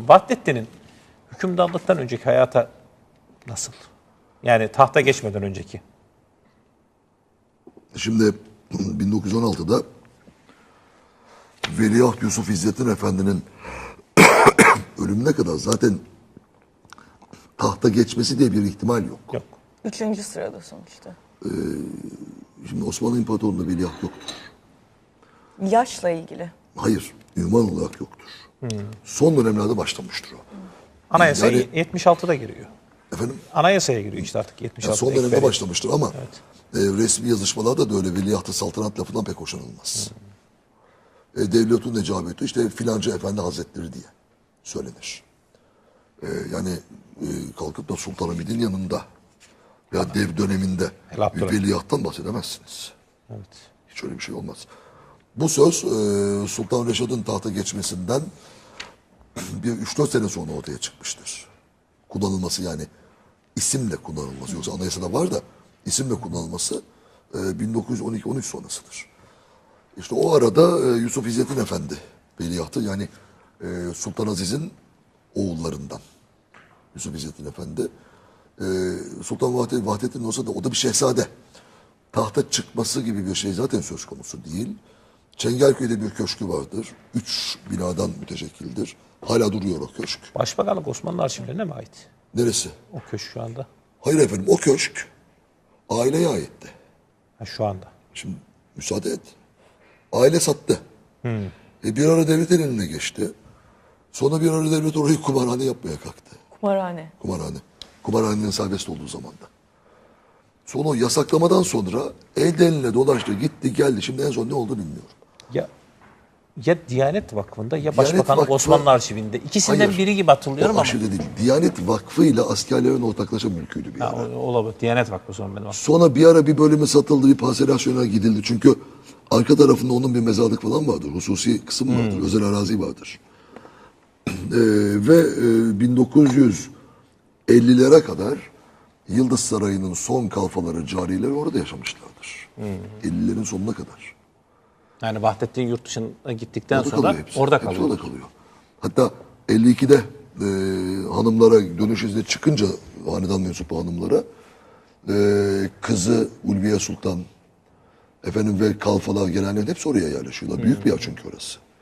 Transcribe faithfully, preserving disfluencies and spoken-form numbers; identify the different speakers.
Speaker 1: sorayım. Vahdettin'in hükümdarlıktan önceki hayata nasıl? Yani tahta geçmeden önceki.
Speaker 2: Şimdi bin dokuz yüz on altıda Veliaht Yusuf İzzettin Efendi'nin ölümüne kadar zaten tahta geçmesi diye bir ihtimal yok.
Speaker 1: Yok.
Speaker 3: Üçüncü sırada sonuçta.
Speaker 2: Şimdi Osmanlı İmparatorluğu'nda veliaht yoktur.
Speaker 3: Yaşla ilgili.
Speaker 2: Hayır, ünvan olarak yoktur. Son dönemlerde başlamıştır o.
Speaker 1: Anayasa
Speaker 2: Yani-
Speaker 1: yetmiş altıda giriyor.
Speaker 2: Efendim?
Speaker 1: Anayasaya giriyor işte artık yetmiş
Speaker 2: Yani
Speaker 1: altıda.
Speaker 2: son dönemde
Speaker 1: ekberi.
Speaker 2: başlamıştır ama e, resmi yazışmalarda da öyle veliaht-ı saltanat lafından pek hoşlanılmaz. E, devletun necabeti işte filanca efendi hazretleri diye söylenir. E, yani e, kalkıp da Sultanahmet'in yanında veya dev döneminde
Speaker 1: El
Speaker 2: bir
Speaker 1: Abdülhamid.
Speaker 2: veliahttan bahsedemezsiniz.
Speaker 1: Evet.
Speaker 2: Hiç öyle bir şey olmaz. Bu söz e, Sultan Reşad'ın tahta geçmesinden bir üç dört sene sonra ortaya çıkmıştır. Kullanılması yani isimle kullanılması. Yoksa anayasada var da isimle kullanılması e, bin dokuz yüz on iki on üç sonrasıdır. İşte o arada e, Yusuf İzzettin Efendi veliahtı yani e, Sultan Aziz'in oğullarından Yusuf İzzettin Efendi. E, Sultan Vahdettin, Vahdettin olsa da o da bir şehzade. Tahta çıkması gibi bir şey zaten söz konusu değil. Çengelköy'de bir köşkü vardır. Üç binadan müteşekkildir. Hala duruyor o köşk.
Speaker 1: Başbakanlık Osmanlı arşivlerine mi ait?
Speaker 2: Neresi?
Speaker 1: O köşk şu anda.
Speaker 2: Hayır efendim o köşk aileye aitti.
Speaker 1: Ha, şu anda.
Speaker 2: Şimdi müsaade et. Aile sattı. E bir ara devletin eline geçti. Sonra bir ara devlet orayı kumarhane yapmaya kalktı.
Speaker 3: Kumarhane.
Speaker 2: Kumarhane. Kumarhanenin serbest olduğu zamanda. Sonra o yasaklamadan sonra elden eline dolaştı, gitti, geldi. Şimdi en son ne oldu bilmiyorum.
Speaker 1: Ya ya Diyanet Vakfı'nda ya
Speaker 2: Diyanet
Speaker 1: Başbakanlık
Speaker 2: Vakfı-
Speaker 1: Osmanlı arşivinde. İkisinden
Speaker 2: Hayır.
Speaker 1: biri gibi hatırlıyorum
Speaker 2: O
Speaker 1: ama.
Speaker 2: aşırı değil. Diyanet Vakfı ile askerlerin ortaklaşa mülküydü bir
Speaker 1: Ha,
Speaker 2: ara.
Speaker 1: o- olabilir. Diyanet Vakfı o zaman benim aklımda.
Speaker 2: Sonra bir ara bir bölümü satıldı, bir parselasyona gidildi. Çünkü arka tarafında onun bir mezarlık falan vardır. Hususi kısım vardır, özel arazi vardır. Ee, ve e, bin dokuz yüz ellilere kadar Yıldız Sarayı'nın son kalfaları, carileri orada yaşamışlardır. ellilerin sonuna kadar.
Speaker 1: Yani Vahdettin yurt dışına gittikten
Speaker 2: Orada
Speaker 1: sonra
Speaker 2: kalıyor hepsi.
Speaker 1: orada
Speaker 2: Hepsi
Speaker 1: kalıyor.
Speaker 2: orada kalıyor. Hatta elli ikide e, hanımlara dönüş izni çıkınca hanedan mensubu hanımlara e, kızı Ulviye Sultan efendim ve kalfalar gelenlerin hepsi oraya yerleşiyorlar. Büyük bir yer çünkü orası.